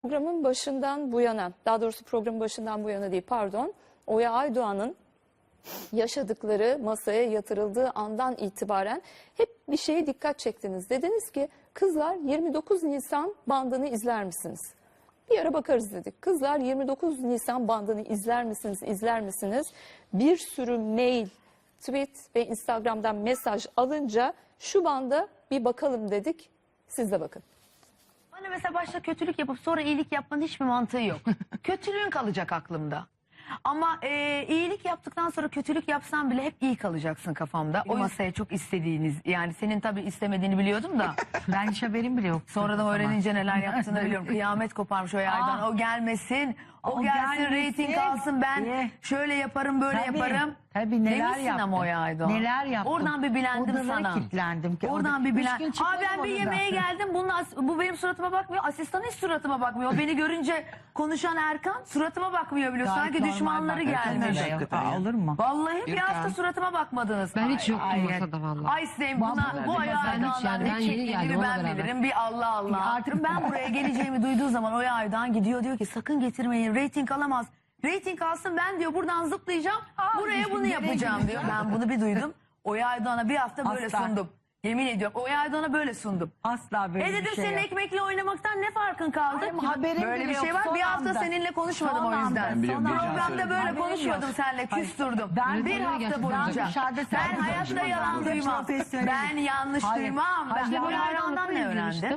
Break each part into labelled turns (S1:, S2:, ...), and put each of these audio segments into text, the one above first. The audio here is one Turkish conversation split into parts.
S1: Programın başından bu yana, daha doğrusu programın başından bu yana değil, pardon, Oya Aydoğan'ın yaşadıkları masaya yatırıldığı andan itibaren hep bir şeye dikkat çektiniz. Dediniz ki kızlar 29 Nisan bandını izler misiniz? Bir ara bakarız dedik. Kızlar 29 Nisan bandını izler misiniz, izler misiniz? Bir sürü mail, tweet ve Instagram'dan mesaj alınca şu banda bir bakalım dedik. Siz de bakın.
S2: Bana mesela başta kötülük yapıp sonra iyilik yapmanın hiçbir mantığı yok. Kötülüğün kalacak aklımda. Ama iyilik yaptıktan sonra kötülük yapsan bile hep iyi kalacaksın kafamda. O masaya çok istediğiniz, yani senin tabii istemediğini biliyordum da.
S3: Ben hiç haberim bile yok.
S2: Sonradan öğrenince neler yaptığını biliyorum. Kıyamet koparmış o yerden. O gelmesin. O gelsin, reyting alsın, ben şöyle yaparım, böyle yaparım.
S3: Tabii neler
S2: Demişsin
S3: yaptım.
S2: ama o Aydoğan.
S3: Neler yaptım.
S2: Oradan bir bilendim
S3: Odalara
S2: sana.
S3: kilitlendim.
S2: Oradan bir bilendim. Ben bir yemeğe geldim. Bu benim suratıma bakmıyor. Asistan hiç suratıma bakmıyor. Beni görünce konuşan Erkan suratıma bakmıyor biliyor.
S3: Gayet
S2: Sanki
S3: normal
S2: düşmanları
S3: bak.
S2: gelmiş.
S3: Olur mu?
S2: Vallahi bir hafta suratıma bakmadınız.
S4: Ben hiç yoktum masada vallahi.
S2: Ay Sevim, bu Oya Aydoğan'dan ne çektiğini ben bilirim. Bir Allah Allah. Artık ben buraya geleceğimi duyduğu zaman Oya Aydoğan gidiyor, diyor ki sakın getirmeyin, reyting alamaz. Reyting alsın, ben diyor buradan zıplayacağım, buraya bunu yapacağım diyor. Ben bunu bir duydum. Oya Aydoğan'a bir hafta böyle sundum. Yemin ediyorum Oya Aydoğan'a böyle sundum.
S3: Asla böyle
S2: dedim
S3: bir şey
S2: senin
S3: yok.
S2: ekmekle oynamaktan ne farkın kaldı?
S3: Haberim
S2: Böyle
S3: bile
S2: bir şey
S3: yok,
S2: var.
S3: son
S2: Bir hafta
S3: anda.
S2: seninle konuşmadım
S3: Son
S2: o yüzden.
S3: anda, son anda.
S2: Programda böyle
S3: Haberim
S2: konuşmadım
S3: yok.
S2: seninle, küstürdüm.
S3: Ben
S2: Bir
S3: oraya
S2: hafta
S4: gerçekten
S2: boyunca.
S3: dışarıda
S2: Ben
S3: sen
S2: hayatta
S3: konuşma.
S2: yalan
S3: Ben
S2: duymam.
S3: profesyonelim.
S2: Ben yanlış
S3: Hayır.
S2: duymam.
S3: Hayır.
S2: Ben Oya Aydoğan'dan ne öğrendim?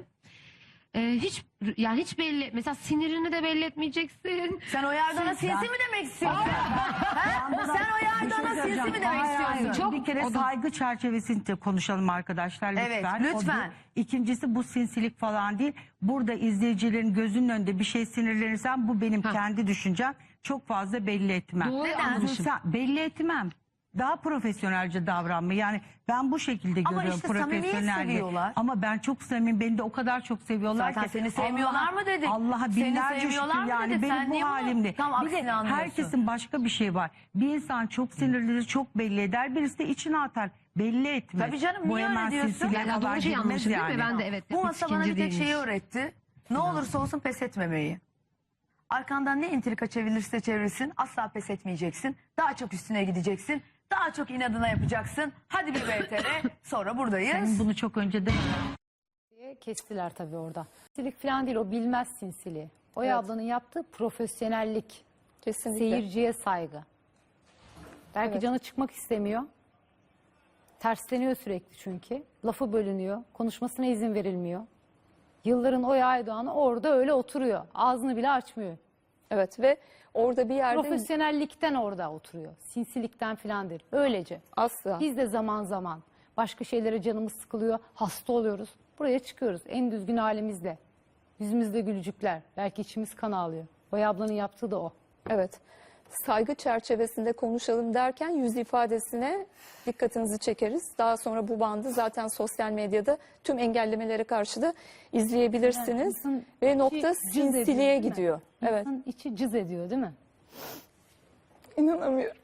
S4: Hiç belli, mesela sinirini de belli etmeyeceksin.
S2: Sen Oya Aydoğan'a sinsi mi demek istiyorsun? Ha? Sen Oya Aydoğan'a sinsi mi demek istiyorsun?
S3: Çok bir kere saygı çerçevesinde konuşalım arkadaşlar lütfen.
S2: Evet,
S3: O
S2: lütfen.
S3: bir. İkincisi bu sinsilik falan değil. Burada izleyicilerin gözünün önünde bir şey sinirlenirsem bu benim kendi düşüncem. Çok fazla belli etmem.
S4: Doğru anlamışım.
S3: Belli etmem. Daha profesyonelce davranma. Yani ben bu şekilde
S2: Ama
S3: görüyorum
S2: işte samimiyet
S3: profesyonelce.
S2: seviyorlar.
S3: Ama ben çok samimiyim. Beni de o kadar çok seviyorlar
S2: Zaten
S3: ki.
S2: seni sevmiyorlar mı dedik?
S3: Allah'a
S2: Seni
S3: binlerce
S2: sevmiyorlar
S3: şükür
S2: mı
S3: yani
S2: dedik? Sen
S3: benim
S2: niye
S3: bu
S2: bunu
S3: halimde.
S2: tam
S3: Bir
S2: aksini
S3: de
S2: anlıyorsun?
S3: herkesin başka bir şey var. Bir insan çok sinirlidir, çok belli eder. Birisi de içine atar. Belli etmez.
S2: Tabii canım,
S3: Bu
S2: niye
S3: hemen
S2: öyle diyorsun?
S3: silsile
S4: Yani
S3: kadar
S4: doğru şey
S3: girmez
S4: anlamışım değil mi? Ben de evet.
S2: Bu masa bana bir tek
S4: değilmiş.
S2: şeyi öğretti. Ne olursa olsun pes etmemeyi. Arkandan ne entrika çevilirse çevirsin asla pes etmeyeceksin. Daha çok üstüne gideceksin. Daha çok inadına yapacaksın. Hadi bir VTR, sonra buradayız.
S3: Sen bunu çok önce de...
S5: Kestiler tabii orada. Sinsilik falan değil, o bilmez sinsiliği. Oya ablanın yaptığı profesyonellik,
S1: Kesinlikle.
S5: seyirciye saygı. Belki
S1: Evet.
S5: canı çıkmak istemiyor. Tersleniyor sürekli çünkü. Lafı bölünüyor, konuşmasına izin verilmiyor. Yılların Oya Aydoğan'ı orada öyle oturuyor. Ağzını bile açmıyor.
S1: Evet ve orada bir yerde
S5: Profesyonellikten orada oturuyor. Sinsilikten falan değil. Öylece.
S1: asla.
S5: Biz de zaman zaman başka şeylere canımız sıkılıyor, hasta oluyoruz. Buraya çıkıyoruz en düzgün halimizle. Yüzümüzde gülücükler. Belki içimiz kan ağlıyor. Oya ablanın yaptığı da o.
S1: Evet. Saygı çerçevesinde konuşalım derken yüz ifadesine dikkatinizi çekeriz. Daha sonra bu bandı zaten sosyal medyada tüm engellemelere karşı da izleyebilirsiniz.
S5: İnsanın
S1: Ve nokta
S5: içi cız ediyor,
S1: sinsiliğe
S5: değil mi?
S1: gidiyor. Evet.
S5: İnsanın içi cız ediyor değil mi?
S6: İnanamıyorum.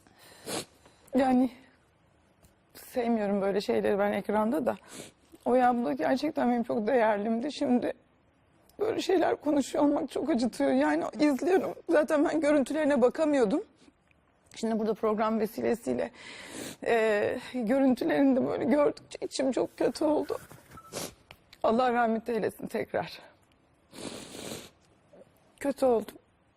S6: Yani sevmiyorum böyle şeyleri ben ekranda da. Oya abla gerçekten benim çok değerlimdi. Şimdi böyle şeyler konuşuyor olmak çok acıtıyor. Yani izliyorum. Zaten ben görüntülerine bakamıyordum. Şimdi burada program vesilesiyle görüntülerini de böyle gördükçe içim çok kötü oldu. Allah rahmet eylesin tekrar. Kötü oldum.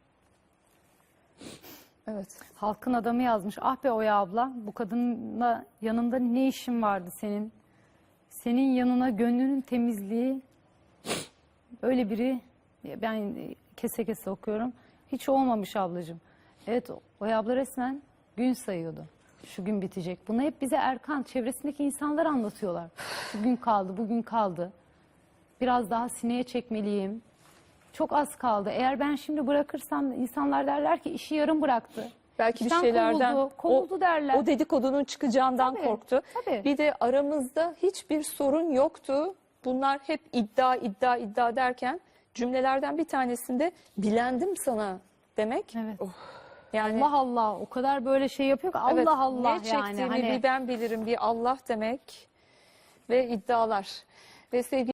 S1: Evet.
S5: Halkın adamı yazmış. Ah be Oya abla, bu kadınla yanında ne işin vardı senin? Senin yanına gönlünün temizliği, öyle biri, ben kese kese okuyorum, hiç olmamış ablacığım. Evet, Oya abla resmen gün sayıyordu. Şu gün bitecek. Bunu hep bize Erkan, çevresindeki insanlar anlatıyorlar. Bugün kaldı, bugün kaldı. Biraz daha sineye çekmeliyim. Çok az kaldı. Eğer ben şimdi bırakırsam insanlar derler ki işi yarım bıraktı.
S1: Belki bir
S5: İşten
S1: şeylerden
S5: kovuldu derler.
S1: o dedikodunun çıkacağından
S5: Tabii,
S1: korktu.
S5: tabii.
S1: Bir de aramızda hiçbir sorun yoktu. Bunlar hep iddia derken cümlelerden bir tanesinde bilendim sana demek.
S5: Evet.
S1: Yani
S5: Allah Allah, o kadar böyle şey yapıyor ki
S1: evet,
S5: Allah Allah
S1: ne
S5: yani.
S1: çektiğimi
S5: Hani
S1: bir ben bilirim, bir Allah demek ve iddialar. Ve sevgili